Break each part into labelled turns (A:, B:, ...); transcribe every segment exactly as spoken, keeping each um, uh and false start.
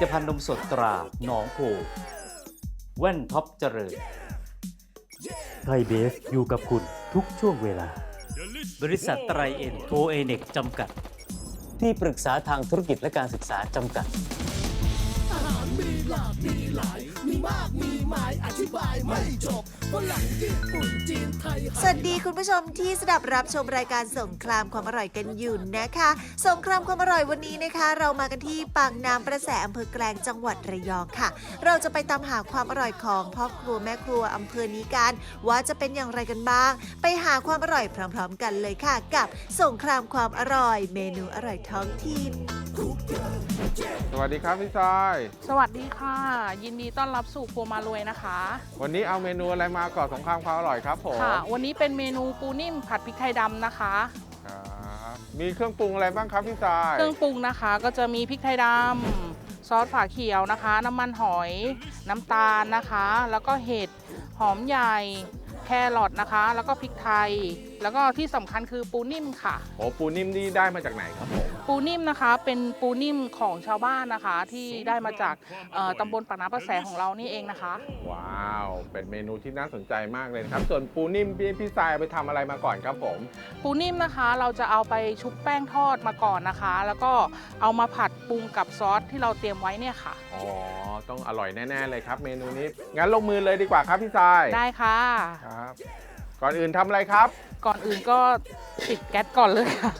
A: ตภัณฑ์นมสดตราหนองโพแว่นท็อปเจริญไทยเบฟอยู่กับคุณทุกช่วงเวลาบริษัทไตรเอ็นโทเอเน็กจำกัดที่ปรึกษาทางธุรกิจและการศึกษาจำกัด
B: อาหารมีหลากมีหลายมีมากมีหมายอธิบายไม่จบฝรั่งญี่ปุ่นจีนไทย
C: สวัสดีคุณผู้ชมที่สดับรับชมรายการสงครามความอร่อยกันอยู่นะคะสงครามความอร่อยวันนี้นะคะเรามากันที่ปากน้ำประแสอำเภอแกลงจังหวัดระยองค่ะเราจะไปตามหาความอร่อยของพ่อครัวแม่ครัวอำเภอนี้กันว่าจะเป็นอย่างไรกันบ้างไปหาความอร่อยพร้อมๆกันเลยค่ะกับสงครามความอร่อยเมนูอร่อยท้องถิ่น
D: สวัสดีครับพี่ซอย
E: สวัสดีค่ะยินดีต้อนรับสู่ครัวมารวยนะคะ
D: วันนี้เอาเมนูอะไรมาก่อนสงครามความอร่อยครับผม
E: ค่ะวันนี้เป็นเมนูปูนิ่มผัดพริกไทยดำนะคะ
D: ครับมีเครื่องปรุงอะไรบ้างครับพี่ซอย
E: เครื่องปรุงนะคะก็จะมีพริกไทยดำซอสฝาเขียวนะคะ น้ำมันหอยน้ำตาลนะคะ แล้วก็เห็ดหอมใหญ่แครอทนะคะ แล้วก็พริกไทยแล้วก็ที่สำคัญคือปูนิ่มค่ะ
D: โอ้ปูนิ่มนี่ได้มาจากไหนครับผม
E: ปูนิ่มนะคะเป็นปูนิ่มของชาวบ้านนะคะที่ได้มาจากตำบลปากน้ำประแสของเรานี่เองนะคะ
D: ว้าวเป็นเมนูที่น่าสนใจมากเลยครับส่วนปูนิ่มพี่พี่ทรายไปทำอะไรมาก่อนครับผม
E: ปูนิ่มนะคะเราจะเอาไปชุบแป้งทอดมาก่อนนะคะแล้วก็เอามาผัดปรุงกับซอสที่เราเตรียมไว้เนี่ยค่ะ
D: อ๋อต้องอร่อยแน่ๆเลยครับเมนูนี้งั้นลงมือเลยดีกว่าครับพี่ทราย
E: ได้ค่ะ
D: ครับก่อนอื่นทำอะไรครับ
E: ก่อนอื่นก็ติดแก๊สก่อนเลยค่ะ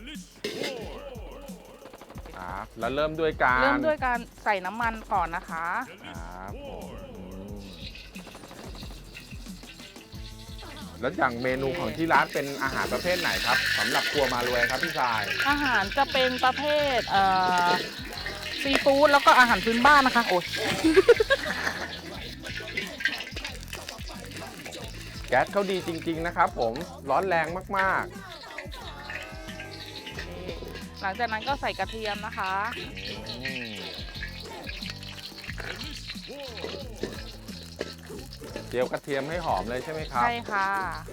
D: ครับแล้วเริ่มด้วยการ
E: เริ่มด้วยการใส่น้ำมันก่อนนะคะ
D: ครับผมแล้วอย่างเมนูของที่ร้านเป็นอาหารประเภทไหนครับสำหรับครัวมารวยครับพี่ชาย
E: อาหารจะเป็นประเภทเอ่อซีฟู้ดแล้วก็อาหารพื้นบ้านนะคะโอ้ย
D: แก๊สเขาดีจริงๆนะครับผมร้อนแรงมาก
E: ๆหลังจากนั้นก็ใส่กระเทียมนะคะ
D: เจียวกระเทียมให้หอมเลยใช่ไหมครับ
E: ใช่ค่ะ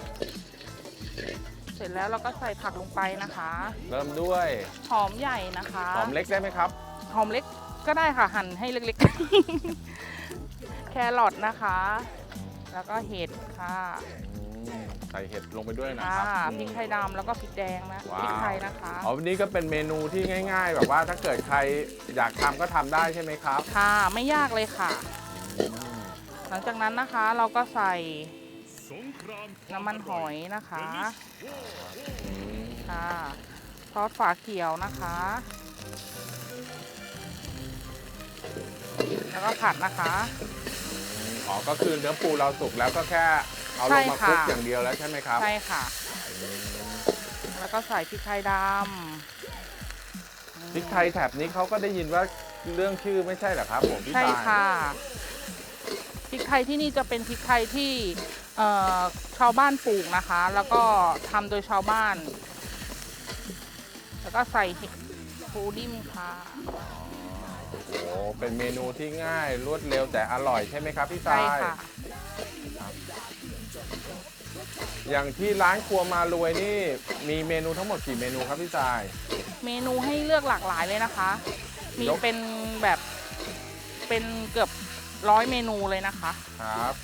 E: เสร็จแล้วเราก็ใส่ผักลงไปนะคะ
D: เริ่มด้วย
E: หอมใหญ่นะคะ
D: หอมเล็กได้ไหมครับ
E: หอมเล็กก็ได้ค่ะหั่นให้เล็กๆแครอทนะคะแล้วก็เห็ดค่ะ
D: ใส่เห็ดลงไปด้วยนะครับ
E: พริกไทยดำแล้วก็พริกแดงนะพริกไทยนะคะ
D: อ๋อวันนี้ก็เป็นเมนูที่ง่ายๆแบบว่าถ้าเกิดใครอยากทำก็ทำได้ใช่ไหมครับ
E: ค่ะไม่ยากเลยค่ะหลังจากนั้นนะคะเราก็ใส่น้ำมันหอยนะคะค่ะซอสฝาเขียวนะคะแล้วก็ผัดนะคะ
D: อ๋อก็คือเนื้อปูเราสุกแล้วก็แค่เอาลงมาคลุกอย่างเดียวแล้วใช่ไหมครับ
E: ใช่ค่ะแล้วก็ใส่พริกไทยดำ
D: พริกไทยแถบนี้เขาก็ได้ยินว่าเรื่องชื่อไม่ใช่เหรอครับผมพี่ชาย
E: ใช่ค่ะพริกไทยที่นี่จะเป็นพริกไทยที่ชาวบ้านปลูกนะคะแล้วก็ทำโดยชาวบ้านแล้วก็ใส่ปูนิ่มค่ะ
D: โอ้เป็นเมนูที่ง่ายรวดเร็วแต่อร่อยใช่ไหมครับพี่ชายใช่ค่ะอย่างที่ร้านครัวมารวยนี่มีเมนูทั้งหมดกี่เมนูครับพี่ชาย
E: เมนูให้เลือกหลากหลายเลยนะคะมีเป็นแบบเป็นเกือบร้อยเมนูเลยนะคะ
D: ครับ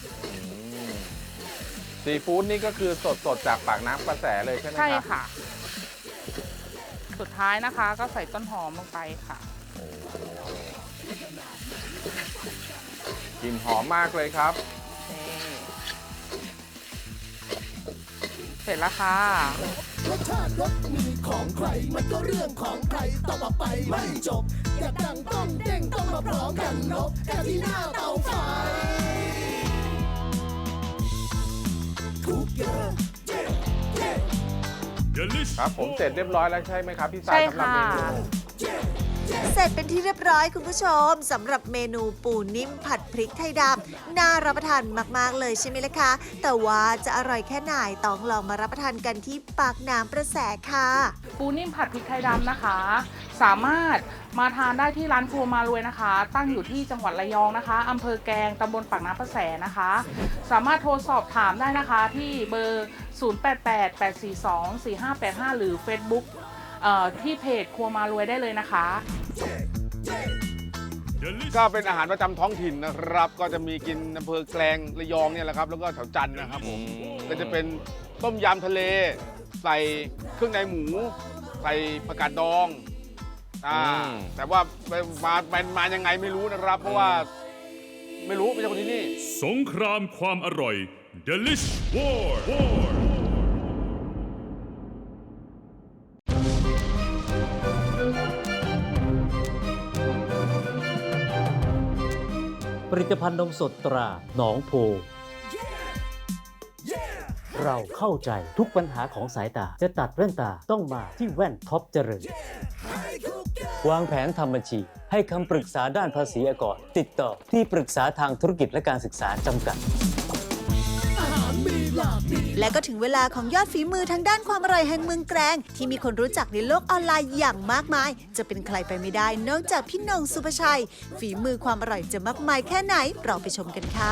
D: ซีฟู้ดนี่ก็คือสดๆจากปากน้ำประแสเลยใช่ไหมครับ
E: ใช่ค่ะสุดท้ายนะคะก็ใส่ต้นหอมลงไปค่ะ
D: กลิ่นหอมมากเลยครับ
E: เสร็จแล้วค่ะ
B: รสชาติรสมีของใครมันก็เรื่องของใครต่อไปไม่จบอยากดังต้องเด้งต้องมาพร้อมกันนกกันที่หน้าเตาไฟทุกอย่าง
D: ครับผมเสร็จเรียบร้อยแล้วใช่ไหมครับพี่สายสำหรับเมนู
C: เสร็จเป็นที่เรียบร้อยคุณผู้ชมสำหรับเมนูปูนิ่มผัดพริกไทยดำน่ารับประทานมากๆเลยใช่ไหมล่ะคะแต่ว่าจะอร่อยแค่ไหนต้องลองมารับประทานกันที่ปากน้ำประแสค่ะ
E: ปูนิ่มผัดพริกไทยดำนะคะสามารถมาทานได้ที่ร้านครัวมารวยนะคะตั้งอยู่ที่จังหวัดระยองนะคะอำเภอแกลงตำบลปากน้ำประแสนะคะสามารถโทรสอบถามได้นะคะที่เบอร์ศูนย์ แปด แปด แปด สี่ สอง สี่ ห้า แปด ห้าหรือ Facebook ที่เพจครัวมารวยได้เลยนะคะ
F: ก็เป็นอาหารประจำท้องถิ่นนะครับ ก็จะมีกินอำเภอแกลงระยองเนี่ยแหละครับ แล้วก็แถวจันทร์นะครับผม
D: อืม
F: ก็จะเป็นต้มยำทะเล ใส่เครื่องในหมู ใส่ผักกาดดองอ่าแต่ว่ามามามายังไงไม่รู้นะครับ เพราะว่าไม่รู้ไม่ใช่คนที่นี่
G: สงครามความอร่อย Delish War War
A: ผลิตภัณฑ์นมสดตราหนองโพ เราเข้าใจทุกปัญหาของสายตา จะตัดแว่นตาต้องมาที่แว่นท็อปเจริญ วางแผนทำบัญชี ให้คำปรึกษาด้านภาษีอากรติดต่อที่ปรึกษาทางธุรกิจและการศึกษาจำกัด
C: และก็ถึงเวลาของยอดฝีมือทางด้านความอร่อยแห่งเมืองแกลงที่มีคนรู้จักในโลกออนไลน์อย่างมากมาย จะเป็นใครไปไม่ได้นอกจากพี่หน่งสุภชัย ฝีมือความอร่อยจะมากมายแค่ไหนเราไปชมกันค่ะ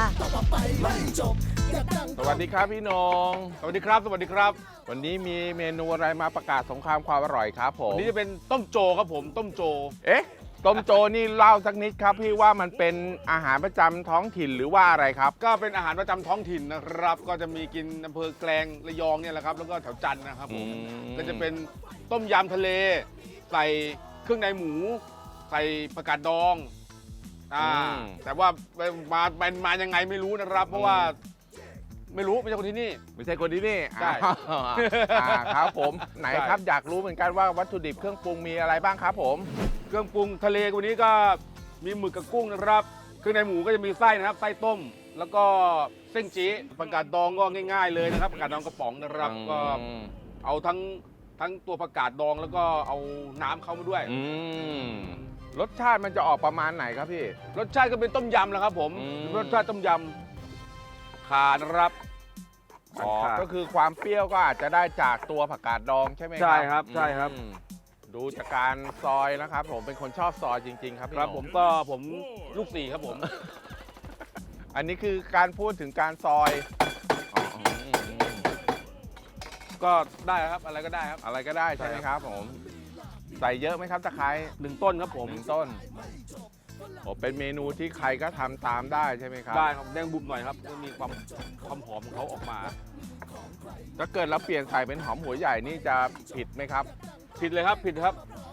D: สวัสดีครับพี่นง
F: สวัสดีครับ สวัสดีครับ
D: วันนี้มีเมนูอะไรมาประกาศสงครามความอร่อยครับผม
F: อันนี้จะเป็นต้มโจครับผม ต้มโจ
D: เอ๊ะ ต้มโจนี่เล่าสักนิดครับพี่ว่ามันเป็นอาหารประจำท้องถิ่นหรือว่าอะไรครับ
F: ก็เป็นอาหารประจำท้องถิ่นนะครับ ก็จะมีกินอำเภอแกลงระยองเนี่ยแหละครับ แล้วก็แถวจันทร์นะครับผม
D: อืม
F: ก็จะเป็นต้มยำทะเล ใส่เครื่องในหมู ใส่ผักกาดดองอ่าแต่ว่ามามามายังไงไม่รู้นะครับ เพราะว่าไม่รู้ไม่ใช่คนที่นี่
D: ไม่ใช่คนที่นี่
F: ใช่
D: อ่าอ่าครับผมไหนครับอยากรู้เหมือนกันว่าวัตถุดิบเครื่องปรุงมีอะไรบ้างครับผม
F: เครื่องปรุงทะเลวันนี้ก็มีหมึกกับกุ้งนะครับ เครื่องในหมูก็จะมีไส้นะครับ ไส้ต้ม แล้วก็เส้นจี๊ผักกาดดองก็ง่ายๆเลยนะครับผักกาดดองกระป๋องนะครับ
D: อืม
F: ก็เอาทั้งทั้งตัวผักกาดดองแล้วก็เอาน้ำเข้ามาด้วย
D: อืมรสชาติมันจะออกประมาณไหนครับพี่
F: รสชาติก็เป็นต้มยำแหล้วครับผม
D: อืม
F: รสชาติต้มยำขานะครับ
D: อ๋อ
F: ขา
D: ก็คือความเปรี้ยวก็อาจจะได้จากตัวผักกาดดองใช่ไหมครับ
F: ใช่ครับใช่ครับ
D: อืมดูจากการซอยนะครับ ผมเป็นคนชอบซอยจริง ๆ ครับพี่
F: ครับ
D: หนุ่
F: ผมก็ผมลูกสี่ครับผม
D: อันนี้คือการพูดถึงการซอยอ๋ออืมอืมอืม
F: ก็ได้ครับอะไรก็ได้ครับ
D: อะไรก็ได้ใช่ไหมครับผม ใส่เยอะไหมครับตะไคร้
F: หนึ่งต้นครับผม
D: หนึ่งต้นโอ้เป็นเมนูที่ใครก็ทำตามได้ใช่ไหมครับ
F: ได้ครับแดงบุบหน่อยครับมันมีความความหอมของเขาออกมา
D: ถ้าเกิดเราเปลี่ยนใส่เป็นหอมหัวใหญ่นี่จะผิดไหมครับ
F: ผิดเลยครับผิดครับ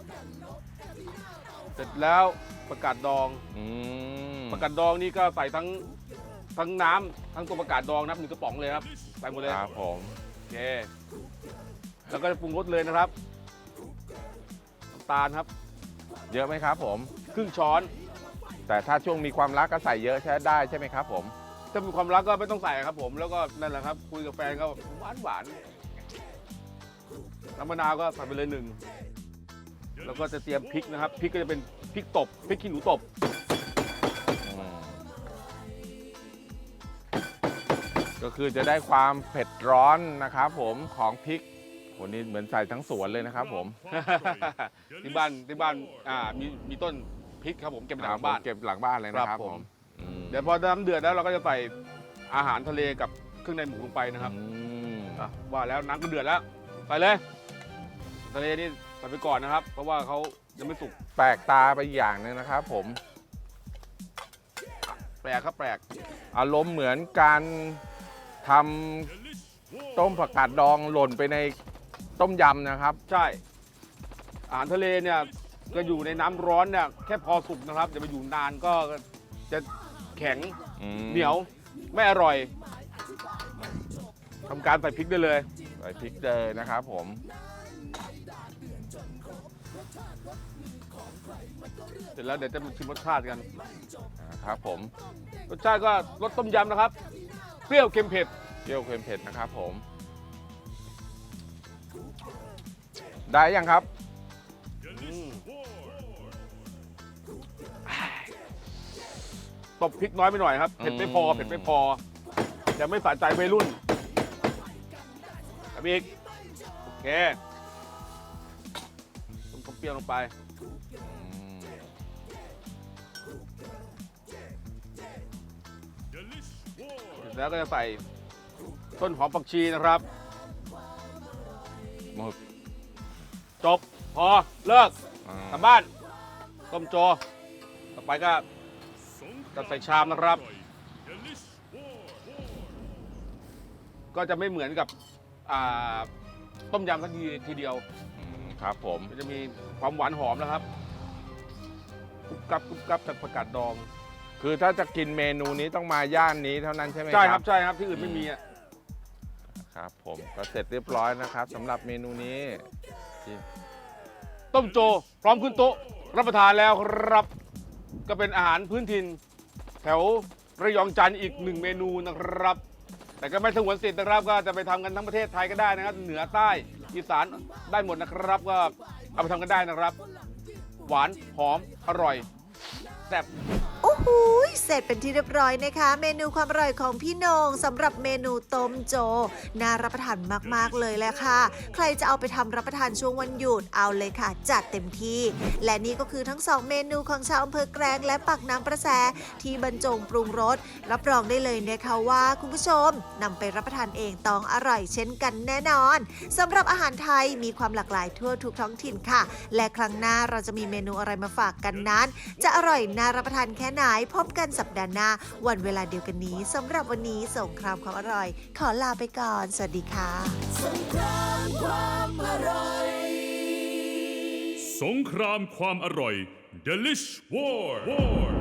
F: เสร็จแล้วผักกาดดอง
D: อืม
F: ผักกาดดองนี่ก็ใส่ทั้งทั้งน้ำทั้งตัวผักกาดดองนะครับหนึ่งกระป๋องเลยครับใส่หมดเลย
D: ครับผม
F: โอเคแล้วก็จะปรุงรสเลยนะครับน้ำตาลครับ
D: เยอะไหมครับผม
F: ครึ่งช้อน
D: แต่ถ้าช่วงมีความรักก็ใส่เยอะใช้ได้ใช่ไหมครับผม
F: ถ้ามีความรักก็ไม่ต้องใส่ครับผมแล้วก็นั่นแหละครับคุยกับแฟนก็หวานหวานน้ำมะนาวก็ใส่ไปเลยหนึ่งแล้วก็จะเตรียมพริกนะครับพริกก็จะเป็นพริกตบพริกขี้หนูตบ
D: ก็คือจะได้ความเผ็ดร้อนนะครับผมของพริกวันนี้เหมือนใส่ทั้งสวนเลยนะครับผม
F: ที่บ้านที่บ้านอ่ามีมีต้นพริกครับผมเก็บหลังบ้าน
D: เก็บหลังบ้านเลยนะค
F: ครั
D: รับบ ผ
F: ผม ม
D: อืม
F: เดี๋ยวพอน้ำเดือดแล้วเราก็จะใส่อาหารทะเลกับเครื่องในหมูลงไปนะครับ
D: อืม
F: อ่ะว่าแล้วน้ำก็เดือดแล้วใส่เลยทะเลนี่ใส่ไปก่อนนะครับ เพราะว่าเขายังไม่สุก
D: แปลกตาไปอย่างหนึงนะครับผม
F: แปลกครับแปลก
D: อารมณ์เหมือนการทำต้มผักกาดดองหล่นไปในต้มยำนะครับ
F: ใช่อาหารทะเลเนี่ยก็อยู่ในน้ำร้อนเนี่ยแค่พอสุกนะครับอย่าไปอยู่นานก็จะแข็ง
D: อืม
F: เหนียวไม่อร่อยทำการใส่พริกได้เลย
D: ใส่พริกเลยนะครับผม
F: เสร็จแล้วเดี๋ยวจะมาชิมรสชาติกัน
D: นะครับผม
F: รสชาติก็รสต้มยำนะครับ เปรี้ยวเค็มเผ็ด
D: เปรี้ยวเค็มเผ็ดนะครับผม ได้ยังครับ
F: ตบพริกน้อยไปหน่อยครับ เผ็ดไม่พอ
D: อืม
F: เผ็ดไม่พอจะไม่สะใจวัยรุ่นครับอีกโอเคต้มเปรี้ยวลงไป
D: อืม
F: เสร็จแล้วก็จะใส่ต้นหอมผักชีนะครับ
D: หมึก
F: จบพอเลิก
D: อ่าก
F: ลับบ้าน ต้มโจไปก็จะใส่ชามนะครับ ก็จะไม่เหมือนกับอ่าต้มยำทันทีทีเดียว
D: อืมครับผม
F: มันจะมีความหวานหอมนะครับกรุบกรับกรุบกรับจากผักกาดดอง
D: คือถ้าจะกินเมนูนี้ต้องมาย่านนี้เท่านั้นใช่ไหม
F: ใช่
D: ค
F: ค
D: รั
F: รับ บใช่ครับที่อื่นไม่มีอ่ะ
D: ครับผมก็เสร็จเรียบร้อยนะครับสำหรับเมนูนี้
F: ต้มโจพร้อมขึ้นโต๊ะรับประทานแล้วครับ ก็เป็นอาหารพื้นถิ่นแถวระยองจันทร์อีกหนึ่งเมนูนะครับ แต่ก็ไม่สงวนสิทธิ์นะครับ ก็จะไปทำกันทั้งประเทศไทยก็ได้นะครับ เหนือใต้อีสานได้หมดนะครับ ก็เอาไปทำกันได้นะครับ หวานหอมอร่อยแซ่บ
C: โอ้โหเสร็จเป็นที่เรียบร้อยนะคะ เมนูความอร่อยของพี่โหนงสำหรับเมนูต้มโจน่ารับประทานมากๆเลยแหละค่ะ ใครจะเอาไปทำรับประทานช่วงวันหยุดเอาเลยค่ะ จัดเต็มที่ และนี่ก็คือทั้งสองเมนูของชาวอำเภอแกลงและปากน้ำประแสที่บรรจงปรุงรสรับรองได้เลยนะคะว่าคุณผู้ชมนำไปรับประทานเองต้องอร่อยเช่นกันแน่นอนสำหรับอาหารไทยมีความหลากหลายทั่วทุกท้องถิ่นค่ะ และครั้งหน้าเราจะมีเมนูอะไรมาฝากกันนั้น จะอร่อยน่ารับประทานแค่ไหนพบกันสัปดาห์หน้าวันเวลาเดียวกันนี้สำหรับวันนี้สงครามความอร่อย ขอลาไปก่อน สวัสดีค่ะ
B: สงครามความอร่อย
G: สงครามความอร่อย Delish War War